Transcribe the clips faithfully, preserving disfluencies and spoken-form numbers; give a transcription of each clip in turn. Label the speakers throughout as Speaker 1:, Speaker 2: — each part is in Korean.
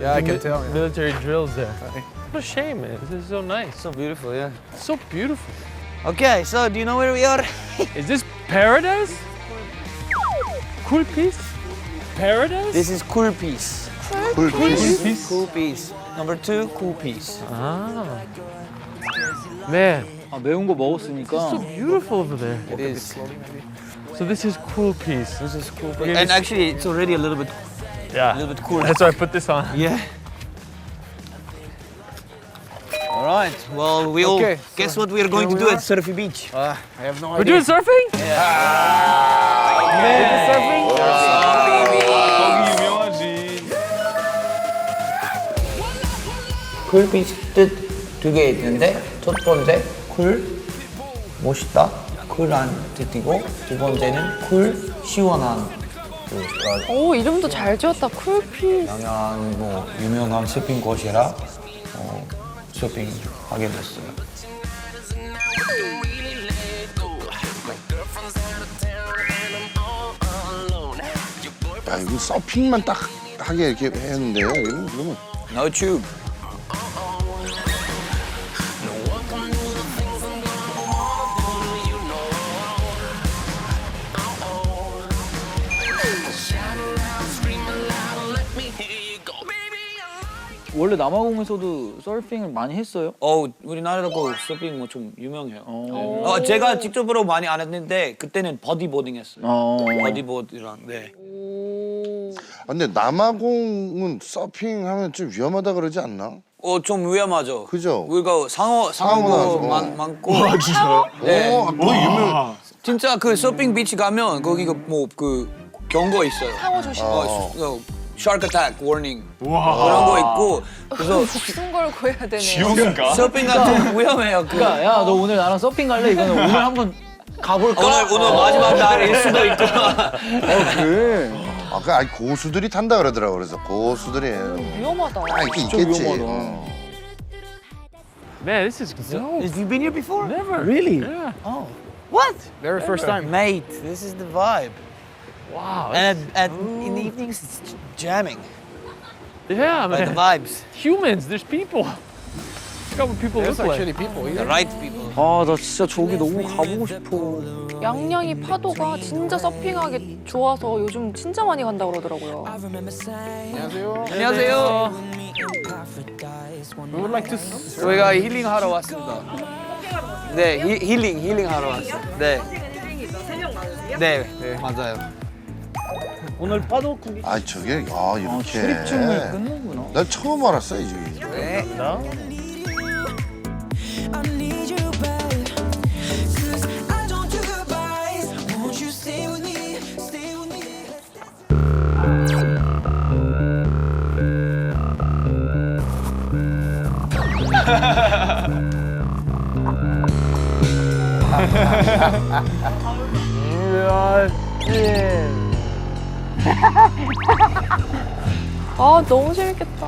Speaker 1: Yeah, I can tell. Yeah.
Speaker 2: Military drills there. What a shame, man. This is so nice.
Speaker 3: So beautiful, yeah.
Speaker 2: So beautiful.
Speaker 3: Okay, so do you know where we are?
Speaker 2: Is this paradise? Cool piece? Paradise?
Speaker 3: This is cool piece.
Speaker 4: Cool piece.
Speaker 2: piece?
Speaker 3: Cool piece. Number two, cool piece.
Speaker 2: Ah. Man,
Speaker 5: 아, 매운 거 먹었으니까.
Speaker 2: so beautiful over there.
Speaker 3: It is.
Speaker 2: So this is cool piece.
Speaker 3: This is cool
Speaker 2: Okay,
Speaker 3: piece. And
Speaker 2: this-
Speaker 3: actually, it's already a little bit,
Speaker 2: Yeah.
Speaker 3: a little bit cool.
Speaker 2: That's why I put this on.
Speaker 3: Yeah. All right. Well, we all
Speaker 1: Okay,
Speaker 3: guess what we are going to
Speaker 1: we
Speaker 3: do
Speaker 1: are.
Speaker 3: at Surfy Beach.
Speaker 1: Uh, I have no
Speaker 2: We're
Speaker 1: idea.
Speaker 2: doing surfing?
Speaker 1: surfing?
Speaker 3: 쿨 비치 뜻두 개 있는데 첫 번째 쿨 멋있다 쿨한 뜻이고 두 번째는 쿨 시원한 뜻.
Speaker 6: 오, 이름도 잘 지었다. 쿨피스.
Speaker 3: 양양 뭐 유명한 서핑 곳이라 어, 서핑 하게 됐어요.
Speaker 4: 야, 이거 서핑만 딱 하게 이렇게 했는데요. 여기는 그러면
Speaker 3: No tube.
Speaker 5: 원래 남아공에서도 서핑을 많이 했어요?
Speaker 3: 어 우리나라도 서핑 뭐 좀 유명해요. 어, 제가 직접으로 많이 안 했는데 그때는 버디보딩 했어요.
Speaker 5: 어.
Speaker 3: 버디보드랑 네.
Speaker 4: 아, 근데 남아공은 서핑하면 좀 위험하다 그러지 않나?
Speaker 3: 어 좀 위험하죠.
Speaker 4: 그죠?
Speaker 3: 우리가 상어
Speaker 4: 상어도
Speaker 3: 상어도
Speaker 4: 나서.
Speaker 3: 많, 많고. 와 진짜요? 네.
Speaker 4: 어, 뭐 유명.
Speaker 3: 진짜 그 서핑 비치 가면 거기가 뭐 그 경고 있어요.
Speaker 6: 상어 조심.
Speaker 3: 어, 어, shark attack warning 그런 거 있고 그래서
Speaker 6: 목숨 걸고 해야 되네.
Speaker 3: 서핑가 좀 위험해요. 그
Speaker 5: 그러니까 야, 너 오늘 나랑 서핑 갈래? 이거는 오늘 한번 가볼까?
Speaker 3: 오늘 오늘 마지막 날일 수도 있고.
Speaker 4: 아까 아니 고수들이 탄다 그러더라고. 그래서 고수들이
Speaker 6: 위험하다.
Speaker 4: 아 이게 있겠지.
Speaker 5: 위험하다.
Speaker 4: 어.
Speaker 2: Man, this is dope.
Speaker 3: Have you been here before?
Speaker 2: Never.
Speaker 5: Really?
Speaker 2: Yeah.
Speaker 3: Oh. What?
Speaker 1: Very first time.
Speaker 3: Mate, this is the vibe.
Speaker 2: Wow.
Speaker 3: And at, at in the evenings it's jamming.
Speaker 2: Yeah,
Speaker 3: Like the
Speaker 2: man.
Speaker 3: vibes.
Speaker 2: Humans, there's people. Look how what people
Speaker 1: There's
Speaker 2: look like.
Speaker 1: actually people
Speaker 3: The
Speaker 1: here.
Speaker 3: right people.
Speaker 5: 아, 나 진짜 저기 너무 가보고 싶어.
Speaker 6: 양양이 파도가 진짜 서핑하기 좋아서 요즘 진짜 많이 간다 그러더라고요.
Speaker 1: 안녕하세요.
Speaker 3: 안녕하세요.
Speaker 1: We would like to. s-
Speaker 3: 저희가 힐링 하러 왔습니다. 네, 히, 힐링 힐링 하러 왔어요. 네. 네, 네, 맞아요.
Speaker 5: 오늘 파도 구기.
Speaker 4: 아 저게 아
Speaker 5: 아,
Speaker 4: 이렇게.
Speaker 5: 출입증이 끊는구나.
Speaker 4: 난 처음 알았어 이 집이.
Speaker 3: 네.
Speaker 7: I need you back, 'cause I don't do goodbyes. Won't you stay with me, stay with me?
Speaker 6: 아, 너무 재밌겠다.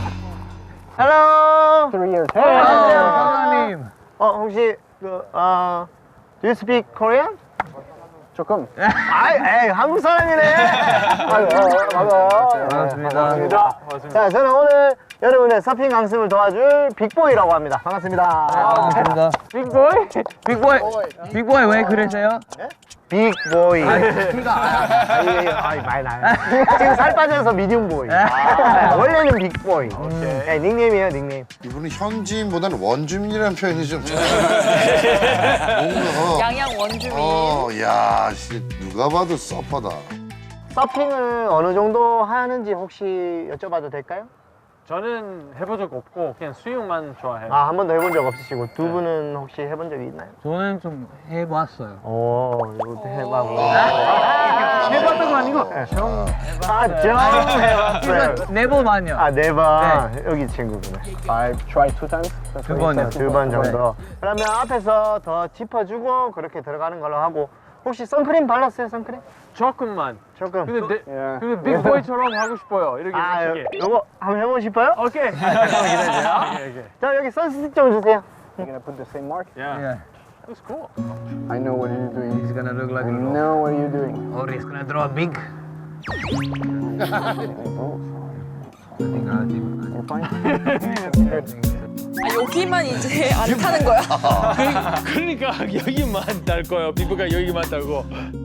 Speaker 8: Hello. Three years. 안녕하세요, 사장님. 어 혹시 그 어, do you speak Korean? 조금. 아이, 에이, 한국 사람이네. 아유, 어, 반가워요. 반갑습니다. 반갑습니다. 자, 저는 오늘 여러분의 서핑 강습을 도와줄 빅보이라고 합니다. 반갑습니다.
Speaker 5: 반갑습니다.
Speaker 8: 빅보이?
Speaker 5: 빅보이, 빅보이 왜 그러세요?
Speaker 8: 빅보이. 아이, 아이, 많이 나요. 지금 살 빠져서 미디움보이. 아, 원래는 빅보이. 네, 닉네임이에요, 닉네임.
Speaker 4: 이분은 현지인보다는 원주민이라는 표현이 좀. 뭔가.
Speaker 6: 양양 원주민.
Speaker 4: 어, 야, 씨, 누가 봐도 서퍼다.
Speaker 8: 서핑을 어느 정도 하는지 혹시 여쭤봐도 될까요?
Speaker 2: 저는 해본 적 없고 그냥 수영만 좋아해요.
Speaker 8: 아, 한 번도 해본 적 없으시고 두 분은 혹시 해본 적이 있나요?
Speaker 5: 저는 좀 해봤어요.
Speaker 8: 오, 이것도 해봐고.
Speaker 5: 해봤던 거 아니고?
Speaker 8: 아, 좀 해봤어요.
Speaker 5: 네 번만요.
Speaker 8: 아, 네 번. 여기 친구구나. I try two times.
Speaker 5: 두 번이요.
Speaker 8: 두 번 정도. 그러면 앞에서 더 짚어주고 그렇게 들어가는 걸로 하고 혹시 선크림 발랐어요, 선크림?
Speaker 2: 조금만.
Speaker 8: 조금.
Speaker 2: 근데 내, 근데 빅보이처럼 하고 싶어요. 이렇게
Speaker 8: 아, 요,
Speaker 2: 멋지게.
Speaker 8: 요거 한번 해보고 싶어요?
Speaker 2: 오케이. 아, 잠깐만 기다려주세요. 오케이, 오케이.
Speaker 8: 자, 여기 선스틱 좀 주세요.
Speaker 9: You're gonna put the same mark?
Speaker 2: Yeah.
Speaker 5: Yeah.
Speaker 2: That's cool.
Speaker 9: I know what you're doing.
Speaker 5: He's gonna look like
Speaker 9: I
Speaker 5: a
Speaker 9: know what you're doing.
Speaker 5: or he's gonna draw big.
Speaker 9: You're fine.
Speaker 6: 아, 여기만 이제 안 타는 거야?
Speaker 2: 그러니까 여기만 딸 거예요. 피부가 여기만 딸고.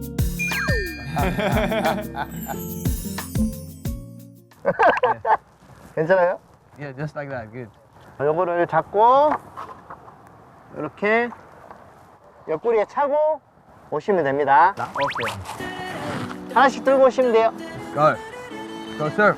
Speaker 8: 괜찮아요?
Speaker 5: Yeah, just like that. Good.
Speaker 8: 자, 요거를 잡고 이렇게 옆구리에 차고 오시면 됩니다.
Speaker 5: Okay.
Speaker 8: 하나씩 들고 오시면 돼요.
Speaker 5: Go. Go surf.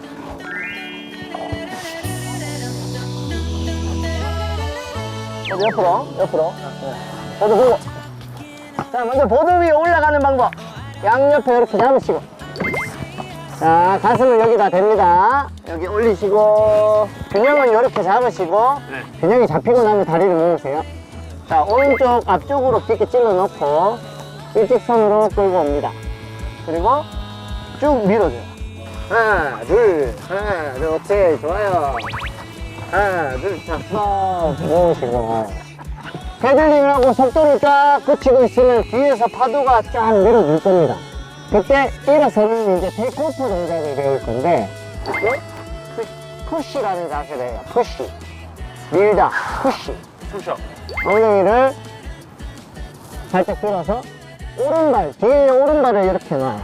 Speaker 8: 보드 옆으로, 옆으로. 네. 보드 보고. 자, 먼저 보드 위에 올라가는 방법. 양옆에 이렇게 잡으시고. 자, 가슴을 여기다 댑니다. 여기 올리시고. 균형은 이렇게 잡으시고. 균형이 잡히고 나면 다리를 모으세요. 자, 오른쪽 앞쪽으로 깊게 찔러 넣고. 일직선으로 끌고 옵니다. 그리고 쭉 밀어줘요. 하나, 둘, 하나, 둘, 오케이, 좋아요. 하나, 둘, 자, 쏙 모으시고. 패들링을 하고 속도를 쫙 붙이고 있으면 뒤에서 파도가 쫙 밀어줄 겁니다. 그때 일어서는 이제 테이크오프 동작을 배울 건데, 이게 푸시라는 자세래요. 푸시. 밀다, 푸시.
Speaker 2: 푸셔.
Speaker 8: 엉덩이를 살짝 들어서 오른발, 뒤에 오른발을 이렇게 놔요.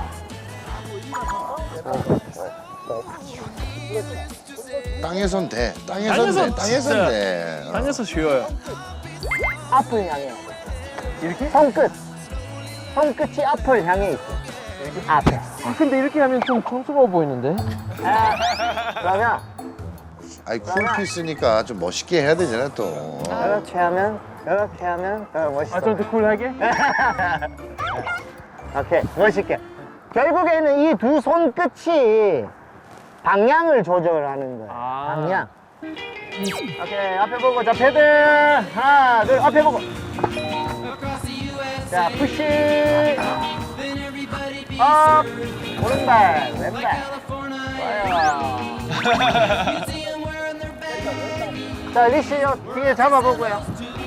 Speaker 4: 땅에선 돼. 땅에선
Speaker 2: 땅에선
Speaker 4: 돼. 땅에선
Speaker 2: 진짜.
Speaker 4: 돼. 어.
Speaker 2: 땅에서 쉬워요.
Speaker 8: 앞을 향해요. 이렇게? 손끝. 손끝이 앞을 향해 있어. 앞에.
Speaker 2: 아, 근데 이렇게 하면 좀 촌스러워 보이는데?
Speaker 8: 아, 그러면
Speaker 4: 아이 쿨피스니까 좀 멋있게 해야 되잖아 또.
Speaker 8: 이렇게 하면, 이렇게 하면 더 멋있어.
Speaker 2: 아, 좀 더 쿨하게?
Speaker 8: 오케이, 멋있게. 결국에는 이 두 손끝이 방향을 조절하는 거예요.
Speaker 2: 아.
Speaker 8: 방향. 오케이, 앞에 보고, 자, 패들. 하나, 둘, 앞에 보고. 자, 푸시. 업. 오른발, 왼발. 좋아요. 자, 리시 요 뒤에 잡아보고요.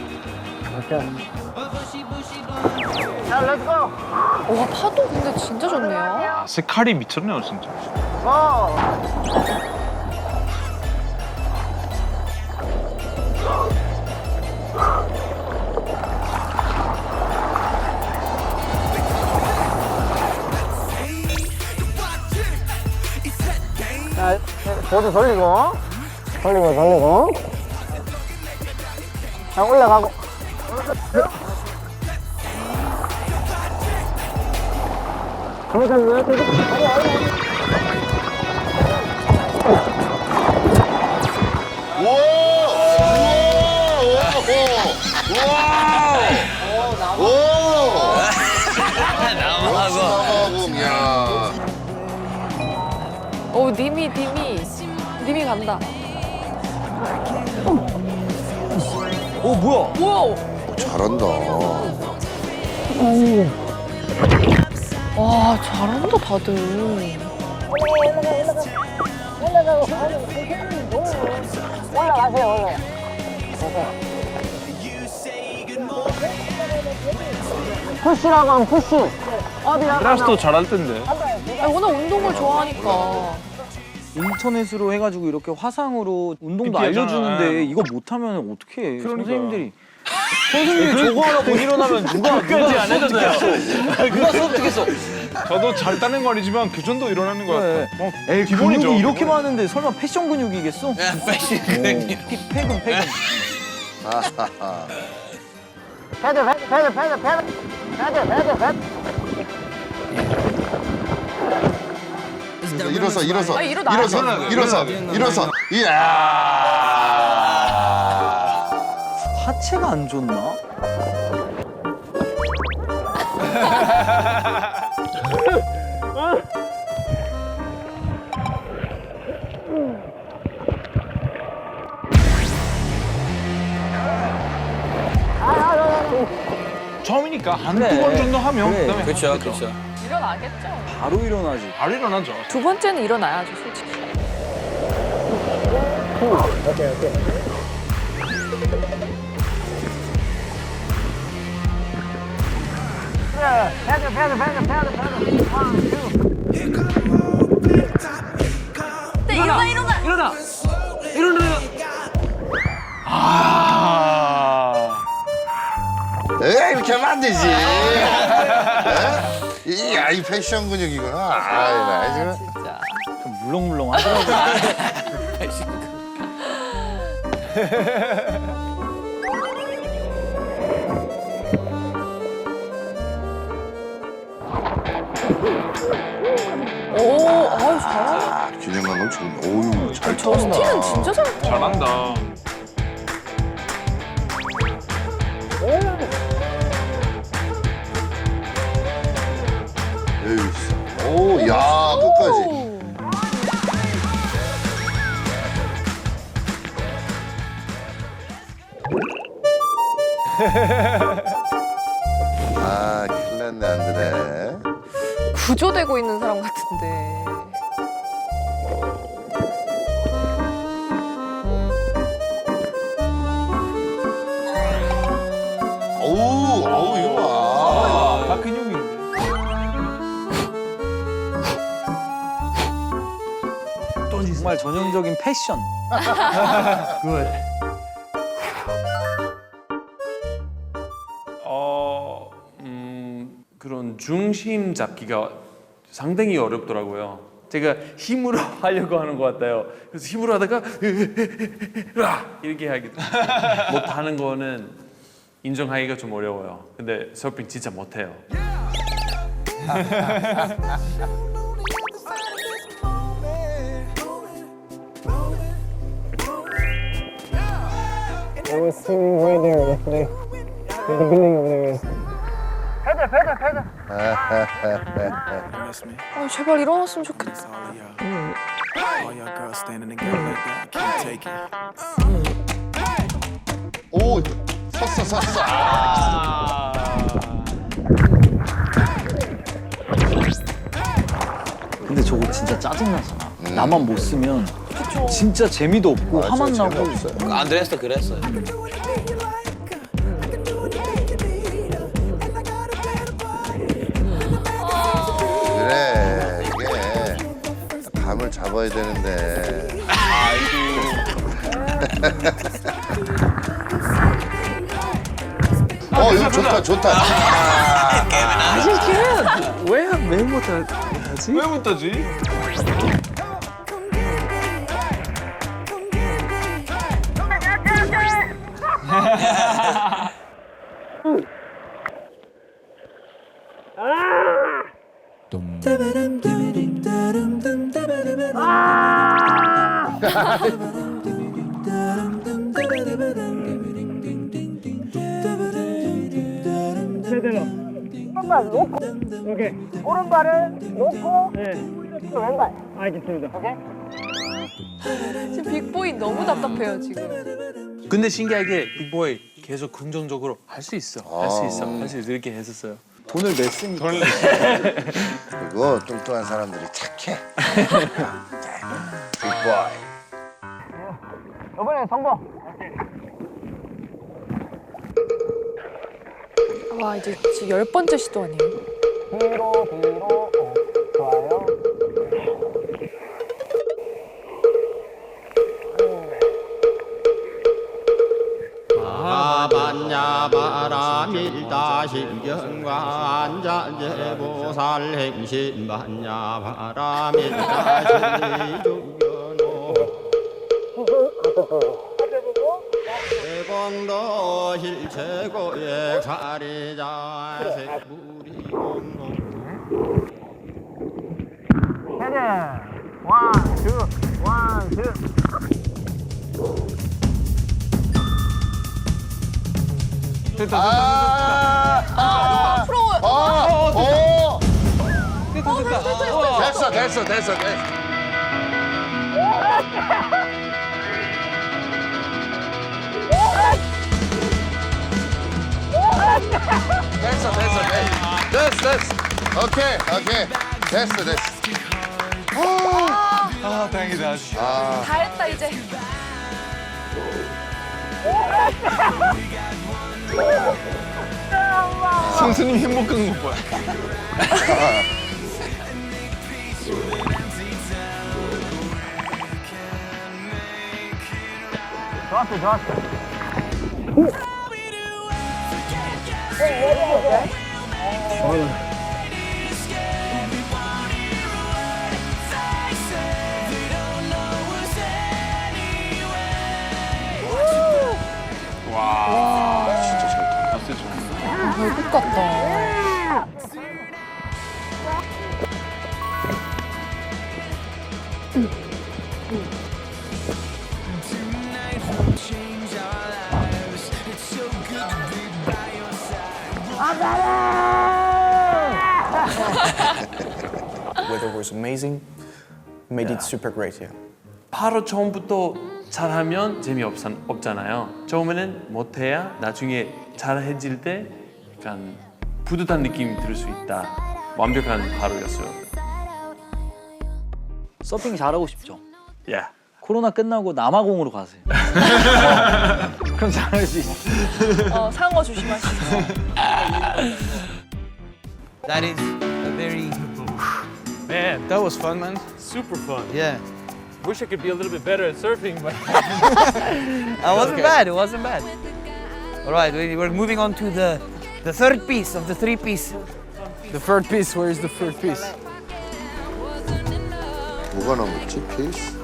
Speaker 8: 자, 렛츠고.
Speaker 6: 와, 파도 근데 진짜 좋네요.
Speaker 2: 아, 색깔이 미쳤네요, 진짜.
Speaker 8: 고! 자, 보드 돌리고, 돌리고, 돌리고. 자, 올라가고. 그러면 왜
Speaker 4: 남아공, 야.
Speaker 6: 오, 님이, 님이. 님이 간다.
Speaker 5: 오 뭐야?
Speaker 6: 우와!
Speaker 4: 잘한다.
Speaker 6: 와, 잘한다, 다들.
Speaker 8: 올라가세요, 올라가. 푸시라고 하면 푸시. 어디야?
Speaker 2: 크라스도 잘할 텐데.
Speaker 6: 아, 워낙 운동을 좋아하니까.
Speaker 5: 인터넷으로 해가지고 이렇게 화상으로 운동도
Speaker 2: 피피하잖아.
Speaker 5: 알려주는데 이거 못하면 어떻게 해?
Speaker 2: 그러니까.
Speaker 5: 선생님들이 선생님이 저거 하나 못 일어나면 누가 누가
Speaker 2: 안 해줬어요.
Speaker 5: 누가 수업듣겠어?
Speaker 2: 저도 잘 따는 거 아니지만 그 정도 일어나는 거
Speaker 5: 그래.
Speaker 2: 같아. 뭐,
Speaker 5: 에이
Speaker 2: 기본이죠.
Speaker 5: 근육이 이렇게 많은데 설마 패션 근육이겠어?
Speaker 3: 패션 근육이.
Speaker 5: 피- 패근 패근.
Speaker 4: 아하하.
Speaker 8: 패드, 패드, 패드, 패드, 패드. 패드, 패드, 패드.
Speaker 4: 일어서 일어서
Speaker 6: 아, 일어나.
Speaker 4: 일어서
Speaker 2: 일어나,
Speaker 4: 일어서
Speaker 2: 일어나.
Speaker 4: 일어서. 이야.
Speaker 5: 하체가 안 좋나?
Speaker 2: 처음이니까 한 두
Speaker 5: 그래.
Speaker 2: 번 정도 하면
Speaker 5: 그래.
Speaker 2: 그다음에
Speaker 3: 그렇죠,
Speaker 2: 하겠죠.
Speaker 3: 그렇죠.
Speaker 6: 일어나겠죠.
Speaker 5: 바로 일어나지.
Speaker 2: 바로 일어나죠.
Speaker 6: 두 번째는 일어나야죠, 솔직히.
Speaker 8: 오케이, 오케이. 패드, 패드, 패드, 패드, 패드. 원, 투.
Speaker 6: 네, 일어나, 일어나!
Speaker 5: 일어나. 일어나.
Speaker 2: 아.
Speaker 4: 에이, 이렇게 하면 안 되지. 에? 이야, 이 패션 근육이구나. 아이, 나 지금.
Speaker 5: 진짜. 좀 물렁물렁 하더라고.
Speaker 6: 오, 아유 잘하네.
Speaker 4: 아, 균형 감각 좋네. 오우, 잘
Speaker 6: 저 스틸은 진짜 잘한다.
Speaker 2: 잘한다.
Speaker 4: 에이, 오, 야, 끝까지. 아, 큰일 났네, 안드레.
Speaker 6: 구조되고 있는 사람 같은데.
Speaker 4: 어우, 어우, 이거 봐.
Speaker 2: 다 근육인데.
Speaker 5: 정말 전형적인 패션. 굿.
Speaker 10: 어, 음, 그런 중심 잡기가 상당히 어렵더라고요. 제가 힘으로 하려고 하는 것 같아요. 그래서 힘으로 하다가 이렇게 하기 못하는 거는 인정하기가 좀 어려워요. 근데 서핑 진짜 못해요.
Speaker 8: I was swimming right there yesterday. In the building over there. 패들, 패들, 패들.
Speaker 6: 아 제발 일어났으면 좋겠다.
Speaker 4: 오, 섰어, 섰어. 아.
Speaker 5: 근데 저거 진짜 짜증나잖아. 나만 못 쓰면 진짜 재미도 없고
Speaker 4: 아,
Speaker 5: 화만
Speaker 4: 진짜
Speaker 5: 나고.
Speaker 4: 재미없어요.
Speaker 3: 안드레스도 그랬어요.
Speaker 4: 그래, 이게 감을 잡아야 되는데. 어, 이거 좋다, 좋다.
Speaker 5: 왜 왜 못하지?
Speaker 2: 왜 못하지?
Speaker 8: 오른발 놓고. 오케이. 오른발을 놓고. 네. 왼발. 알겠습니다. 오케이.
Speaker 6: 지금 빅보이 너무 답답해요 지금.
Speaker 10: 근데 신기하게 빅보이 계속 긍정적으로 할 수 있어, 할 수 있어, 할 수 있어 이렇게 했었어요.
Speaker 5: 돈을 냈으니까.
Speaker 4: 그리고 뚱뚱한 사람들이 착해. 빅보이.
Speaker 8: 이번엔 성공.
Speaker 6: 와 이제 지금 열 번째 시도 아니에요?
Speaker 8: 뒤로, 뒤로. 어, 좋아요.
Speaker 11: 아반야 바라밀다 신경과 안자제보살 행신 반야 바라밀다 신주견호 대공도 실체고액 사리자 색부리 공로
Speaker 8: 헤드. 원, 투, 원, 투.
Speaker 4: 아,
Speaker 6: 아 프로.
Speaker 4: 어, 어,
Speaker 6: 됐다 됐다.
Speaker 4: 됐어, 됐어, 됐어, 됐어. 됐어, 됐어, 됐어, 됐어, 됐어. 오케이, 오케이, 됐어, 됐어.
Speaker 2: 아, 다행이다.
Speaker 4: 아,
Speaker 6: 다 했다 이제.
Speaker 2: 선수님 행복한 거 봐요.
Speaker 8: 좋았어, 좋았어.
Speaker 4: 진짜 잘
Speaker 6: 별것 같다.
Speaker 12: Weather was amazing. Made it super great, yeah.
Speaker 10: 바로 처음부터 잘하면 재미없잖아요. 처음에는 못해야 나중에 잘해질 때 약간 뿌듯한 느낌이 들 수 있다. 완벽한 하루였어요.
Speaker 5: 서핑 잘하고 싶죠?
Speaker 10: 예.
Speaker 5: 코로나 끝나고 남아공으로 가세요. 그럼 잘할 수 있어.
Speaker 6: 어, 상어 조심하시고.
Speaker 3: That is a very
Speaker 2: Man,
Speaker 12: That was fun, man.
Speaker 2: super fun.
Speaker 3: yeah.
Speaker 2: Wish I could be a little bit better at surfing, but
Speaker 3: It wasn't bad. It wasn't bad. All right, we- we're moving on to the the third piece of the three piece.
Speaker 12: The third piece, where is the third piece?
Speaker 4: 뭐가 남았지? 케이스?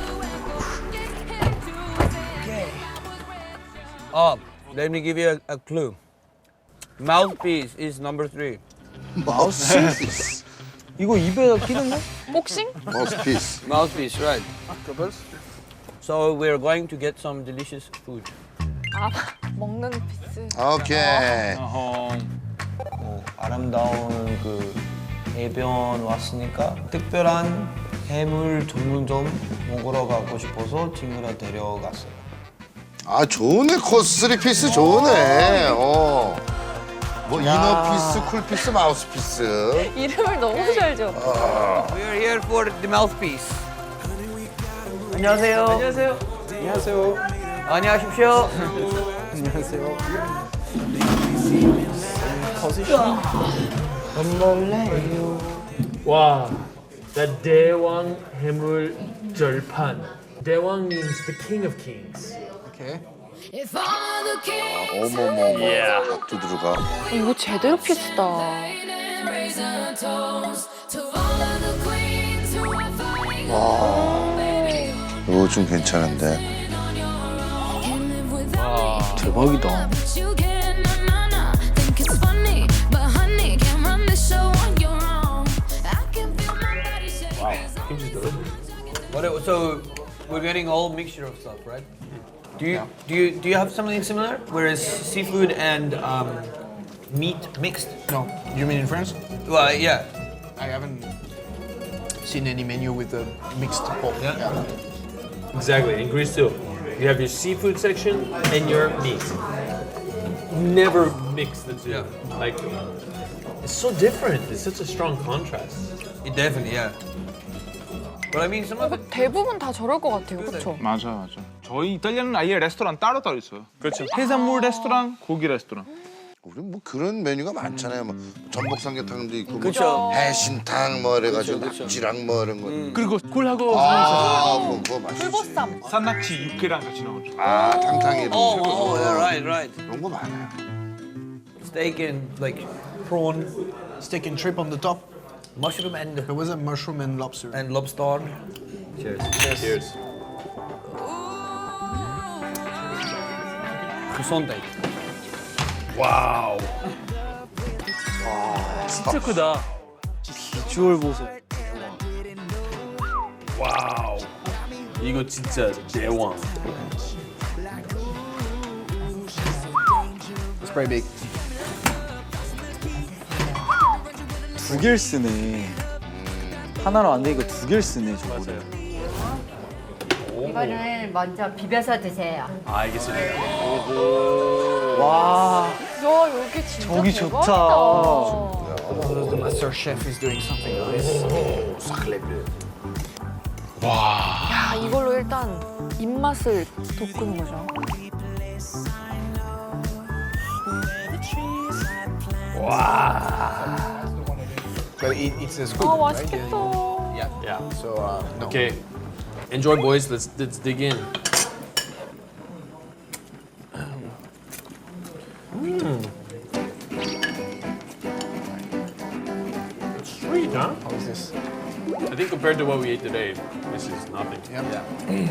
Speaker 3: Oh, let me give you a, a clue. Mouthpiece is number three.
Speaker 4: 마우스피스.
Speaker 5: 이거 입에 끼는 거?
Speaker 6: 복싱?
Speaker 4: 마우스피스.
Speaker 3: Mouthpiece, right. So we're going to get some delicious food.
Speaker 6: 아, 먹는 피스.
Speaker 4: 오케이.
Speaker 3: 뭐 아름다운 그 해변 왔으니까 특별한 해물 전문점 먹으러 가고 싶어서 친구랑 데려갔어요.
Speaker 4: 아 좋네. 코스 쓰리 피스 좋네. 어. 뭐 이너 피스, 쿨 피스, 마우스 피스.
Speaker 6: 이름을 너무 잘 지어.
Speaker 3: We're here for the mouthpiece. 안녕하세요. 안녕하세요.
Speaker 12: 안녕하세요.
Speaker 3: 안녕하십시오.
Speaker 12: 안녕하세요.
Speaker 2: wow, the 대왕 해물 절판. 대왕 means the king of kings.
Speaker 12: Okay.
Speaker 4: 어머머머. 밥도 들어가.
Speaker 6: 어, 이거 제대로 피스다.
Speaker 4: 이거 좀 괜찮은데.
Speaker 5: 대박이다.
Speaker 3: What it, so we're getting a whole mixture of stuff, right? Do you do you do you have something similar? Whereas seafood and um, meat mixed?
Speaker 12: No, you mean in France?
Speaker 3: Well, yeah.
Speaker 12: I haven't seen any menu with a mixed pork.
Speaker 3: Yeah.
Speaker 2: Exactly, in Greece too. You have your seafood section and your meat. Never mix the two.
Speaker 3: Yeah.
Speaker 2: Like, it's so different. It's such a strong contrast.
Speaker 3: It definitely, yeah. But I mean, some of it.
Speaker 6: 대부분 다 저럴 것 같아요, 그렇죠?
Speaker 13: 맞아 맞아. 저희 이탈리아는 아예 레스토랑 따로 따로 있어요.
Speaker 10: 그렇죠.
Speaker 13: 해산물 레스토랑, 고기 레스토랑.
Speaker 4: 우리 뭐 그런 메뉴가 많잖아요. 뭐 전복 삼계탕도 있고, 뭐
Speaker 3: 그쵸.
Speaker 4: 해신탕 뭐 이래가지고
Speaker 3: 그쵸, 그쵸.
Speaker 4: 낙지랑 뭐 이런 거.
Speaker 2: 그리고 굴하고
Speaker 4: 아, 그거, 그거 맛있지.
Speaker 6: 불보쌈.
Speaker 13: 산낙지 육회랑 같이 나오죠.
Speaker 4: 아, 탕탕이도.
Speaker 3: Oh, oh, yeah, right, right.
Speaker 4: 그런 거 많아요.
Speaker 3: Steak and like prawn,
Speaker 12: Steak and shrimp on the top.
Speaker 3: mushroom and
Speaker 12: There was a mushroom and lobster.
Speaker 3: and lobster.
Speaker 10: Cheers. Cheers.
Speaker 3: croissant.
Speaker 10: 와우. 진짜 크다.
Speaker 5: 비주얼 보소.
Speaker 10: 와우. 이거 진짜 대왕.
Speaker 12: It's pretty big.
Speaker 5: 두 개를 쓰네. 하나로 안 되니까 두 개를 쓰네, 저거를.
Speaker 14: 이거는 먼저 비벼서 드세요.
Speaker 10: 아, 알겠습니다.
Speaker 5: 와,
Speaker 6: 야, 여기 진짜
Speaker 5: 저기
Speaker 6: 대박이다.
Speaker 5: 좋다.
Speaker 12: The master chef is doing something nice.
Speaker 6: 야, 이걸로 일단 입맛을 돋구는 거죠.
Speaker 12: But it, it's a squid,
Speaker 6: 아,
Speaker 12: right?
Speaker 6: 맛있겠다.
Speaker 12: Yeah.
Speaker 10: Yeah.
Speaker 12: So uh, no.
Speaker 10: Okay. Enjoy, boys. Let's let's dig in.
Speaker 2: It's sweet, huh?
Speaker 12: How is this?
Speaker 2: I think compared to what we ate today, this is nothing.
Speaker 12: Yeah.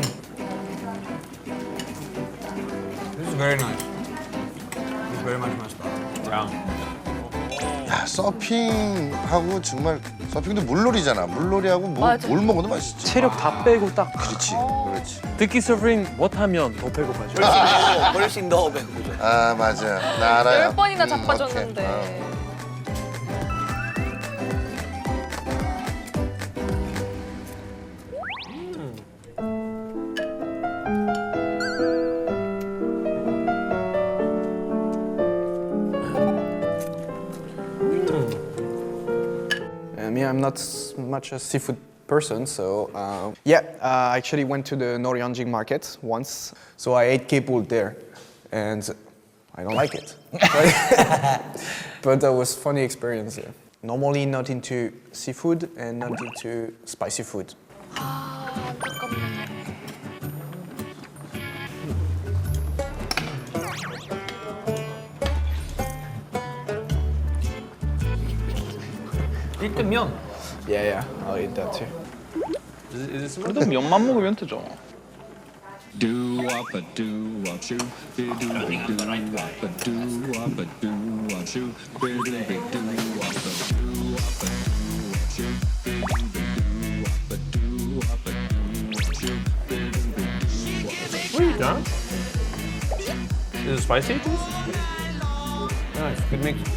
Speaker 12: This is very nice. It's very much my style.
Speaker 2: Yeah.
Speaker 4: 야, 서핑하고 정말 서핑도 물놀이잖아. 물놀이하고 뭐,
Speaker 6: 맞아.
Speaker 4: 뭘 먹어도 맛있지.
Speaker 5: 체력 다 빼고 딱.
Speaker 4: 그렇지, 그렇지.
Speaker 2: 듣기 서핑 못하면 더 배고파져.
Speaker 3: 훨씬 더 배고프죠.
Speaker 4: 아, 맞아. 나 알아요.
Speaker 6: 열 번이나
Speaker 4: 음,
Speaker 6: 자빠졌는데.
Speaker 4: 오케이. 어.
Speaker 12: Um, yeah, I'm not s- much a seafood person, so uh, yeah, uh, I actually went to the Noryanjing market once, so I ate kepul there, and I don't like it. But that was funny experience. Yeah. Normally not into seafood and not into spicy food.
Speaker 5: 면.
Speaker 12: Yeah, yeah, I'll eat that too.
Speaker 2: Is it, is it
Speaker 13: 그래도 면만 먹으면 되죠.
Speaker 11: Do up a do up shoe, be do be do up a do up a do up shoe, be do be do up a do up a do up shoe, be do be do up a do up a do up shoe, be do be do up a
Speaker 2: sweet, huh? Is it spicy? Nice, good mix.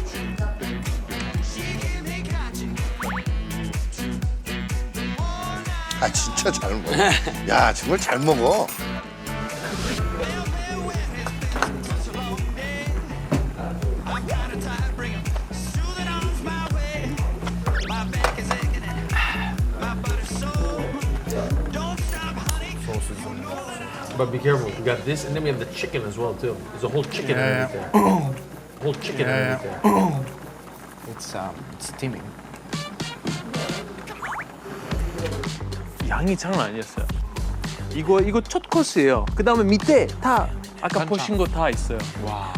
Speaker 4: 아, 진짜 잘 먹어. 야, 정말 잘 먹어.
Speaker 2: But be careful, we got this and then we have the chicken as well too. There's a whole chicken
Speaker 12: Yeah,
Speaker 2: underneath there. Whole chicken
Speaker 12: Yeah,
Speaker 2: underneath there.
Speaker 12: It's um, it's steaming.
Speaker 10: 양이 장난 아니었어요. 이거 이거 첫 코스예요. 그 다음에 밑에 다 아까 보신 거 다 있어요. 와.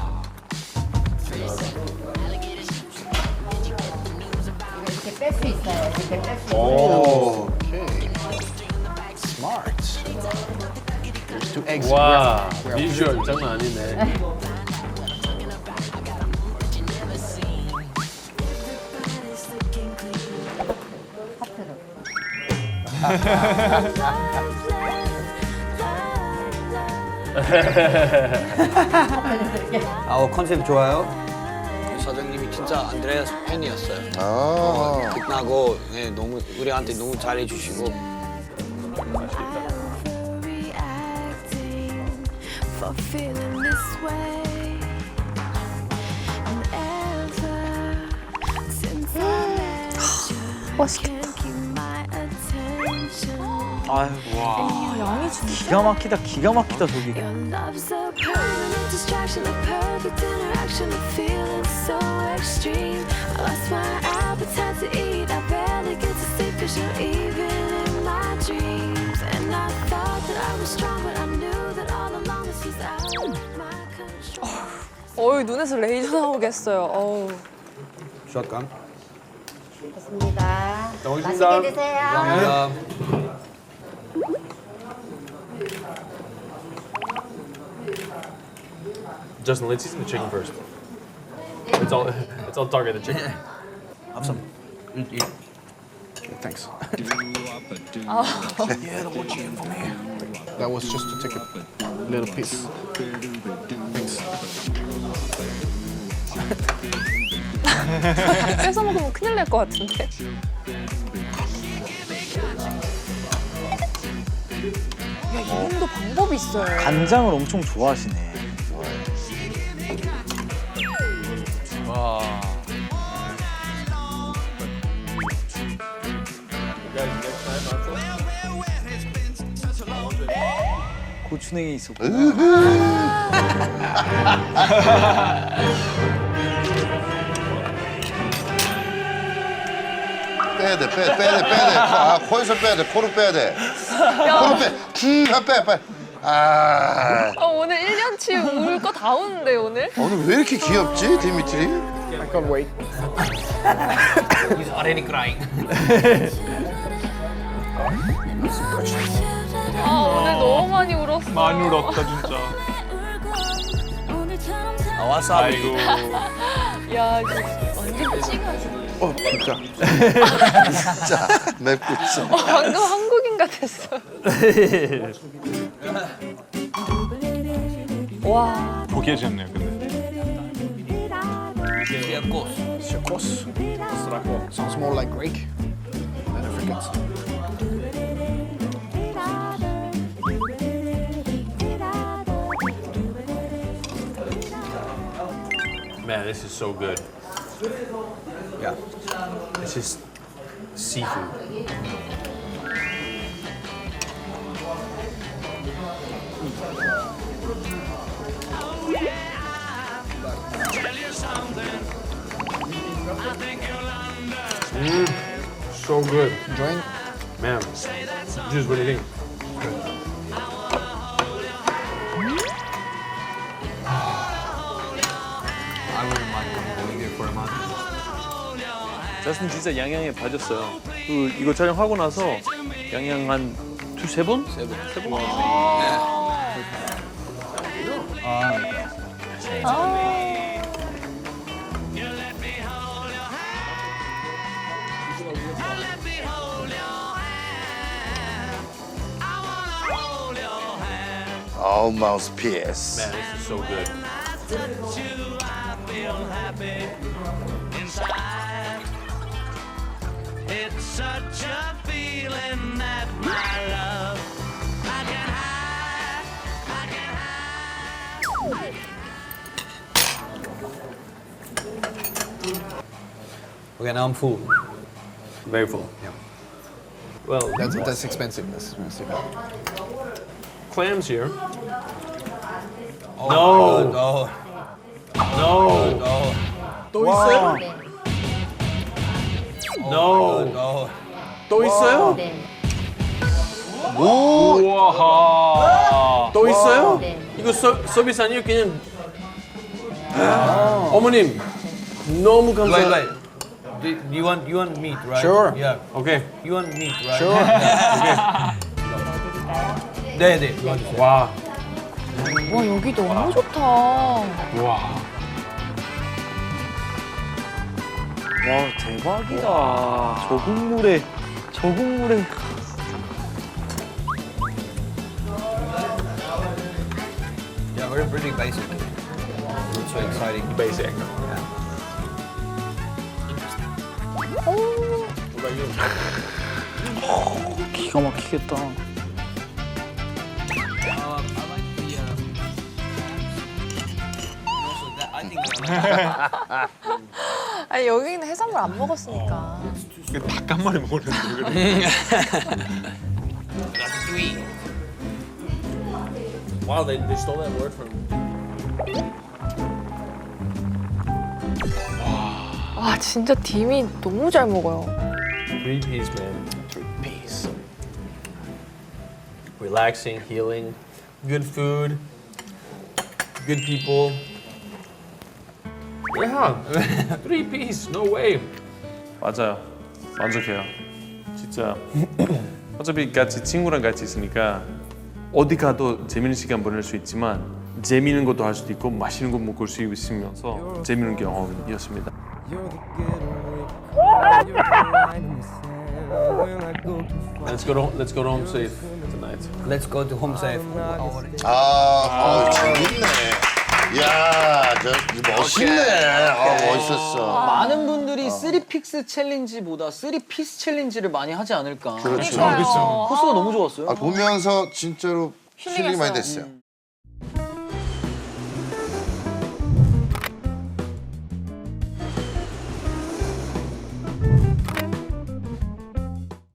Speaker 14: 이렇게 뺄 수 있어요. 이렇게 뺄 수 있어요.
Speaker 4: 오.
Speaker 12: Okay. Smart. There's two eggs.
Speaker 2: 와,
Speaker 12: We're- we're-
Speaker 2: 비주얼 장난 아니네.
Speaker 3: 아, 컨셉 좋아요. 사장님이 진짜 안드레아스 팬이었어요.
Speaker 4: 아.
Speaker 3: 빛나고 네, 너무 우리한테 너무 잘해주시고.
Speaker 7: For feeling this way. And ever since I met you, can't keep my attention.
Speaker 5: 아유, 와.
Speaker 6: 양이 진짜.
Speaker 5: 기가 막히다, 기가 막히다, 저기.
Speaker 7: Your love's a permanent distraction, a perfect interaction, a feeling so extreme. I lost my appetite to eat, I barely get to sleep 'cause you're even in my dreams. And I thought that I was strong, but I knew that all along this was out of my control.
Speaker 6: 어이, 눈에서 레이저 나오겠어요. 어우.
Speaker 3: 샷감.
Speaker 14: 좋습니다.
Speaker 2: 고맙습니다.
Speaker 14: 맛있게 드세요.
Speaker 3: 감사합니다.
Speaker 2: Justin, let's season the chicken first. It's all it's all target the chicken.
Speaker 12: Have some. Eat, eat. Thanks. Yeah, the one chicken for me. That was just to take a little piece. Thanks.
Speaker 6: 뺏어 먹으면 큰일 날 것 같은데. 야, 이분도 방법이 있어요.
Speaker 5: 간장을 엄청 좋아하시네.
Speaker 10: 와.
Speaker 5: 고추냉이 있었고.
Speaker 4: 빼야 돼, 빼, 빼야 돼, 빼야 돼. 아, 코에서 빼야 돼, 코로 빼야 돼. 코로 빼. 음, 아, 빼, 빼. 아,
Speaker 6: 아, 오늘 일 년치 울 거 다 우는데 오늘?
Speaker 4: 오늘 왜 이렇게 귀엽지, 디미트리?
Speaker 8: I can't wait.
Speaker 3: He's already crying.
Speaker 6: 아 오늘 너무 많이 울었어.
Speaker 13: 많이 울었다 진짜.
Speaker 3: 아, 와사비.
Speaker 13: 아이고.
Speaker 6: 야 진짜 완전 찡하지.
Speaker 12: 어, 진짜.
Speaker 4: 진짜 맵고 있어.
Speaker 6: 어, 방금 한국인 같았어. 와.
Speaker 13: 포기해졌네요 근데.
Speaker 3: Chacos.
Speaker 12: Chacos. Sounds more like Greek than Africans.
Speaker 2: Man, this is so good.
Speaker 12: Yeah.
Speaker 2: It's just seafood. Mm, so good.
Speaker 12: Enjoying?
Speaker 2: Man, Juice, what do you think?
Speaker 12: I wouldn't mind going there for a month.
Speaker 10: 저스틴 진짜 양양에 빠졌어요. 그 이거 촬영하고 나서 양양 한 두세 번? 세 번. 세 번.
Speaker 4: Oh, mouthpiece.
Speaker 2: Man, this is so good.
Speaker 1: It's such a feeling that my love I can hide, I can hide.
Speaker 3: Okay, now I'm full.
Speaker 2: Very full.
Speaker 12: Yeah.
Speaker 2: Well,
Speaker 12: That's, that's expensive. That's expensive.
Speaker 2: clams here.
Speaker 3: Oh,
Speaker 2: No.
Speaker 3: no.
Speaker 2: No.
Speaker 3: No.
Speaker 2: 또 있어요? No.
Speaker 3: No.
Speaker 2: 또 있어요?
Speaker 4: 오,
Speaker 13: 우와.
Speaker 2: 또 있어요? 이거 서, 서비스 아니에요? 그냥 어머님 너무
Speaker 3: Wait,
Speaker 2: 감사.
Speaker 3: wait. Do you want you want meat, right?
Speaker 12: Sure.
Speaker 3: Yeah.
Speaker 2: 오케이.
Speaker 3: You want meat, right?
Speaker 12: Sure.
Speaker 3: 네, 네.
Speaker 2: 와.
Speaker 6: 와 여기 너무 좋다.
Speaker 10: 와.
Speaker 5: 와 대박이다. 저 국물에 저 국물에.
Speaker 3: Yeah, we're pretty basic. Not so exciting.
Speaker 2: Basic.
Speaker 5: 기가 막히겠다.
Speaker 6: 아니 여기는 해산물 안 먹었으니까.
Speaker 13: 닭 한 마리 먹었는데 그래.
Speaker 2: Wow, they, they stole that word from.
Speaker 6: 와 진짜 딤이 너무 잘 먹어요.
Speaker 2: Three piece, man. Three piece. Relaxing, healing, good food, good people. Yeah, three piece. No way.
Speaker 10: 맞아요. 만족해요. 진짜 어차피 같이 친구랑 같이 있으니까 어디 가도 재밌는 시간 보낼 수 있지만 재밌는 것도 할 수도 있고 맛있는 거 먹을 수 있으면서 재밌는 경험이었습니다.
Speaker 2: Let's go to let's go to home safe tonight.
Speaker 3: Let's go to home safe.
Speaker 4: 아, 아, 재밌네. 이야, 저 멋있네. 아, 멋있었어.
Speaker 5: 많은 분들이 쓰리 픽스 챌린지보다 쓰리 피스 챌린지를 많이 하지 않을까.
Speaker 4: 그렇죠.
Speaker 6: 그러니까요.
Speaker 5: 코스가 너무 좋았어요.
Speaker 4: 아, 보면서 진짜로 힐링이 많이 됐어요.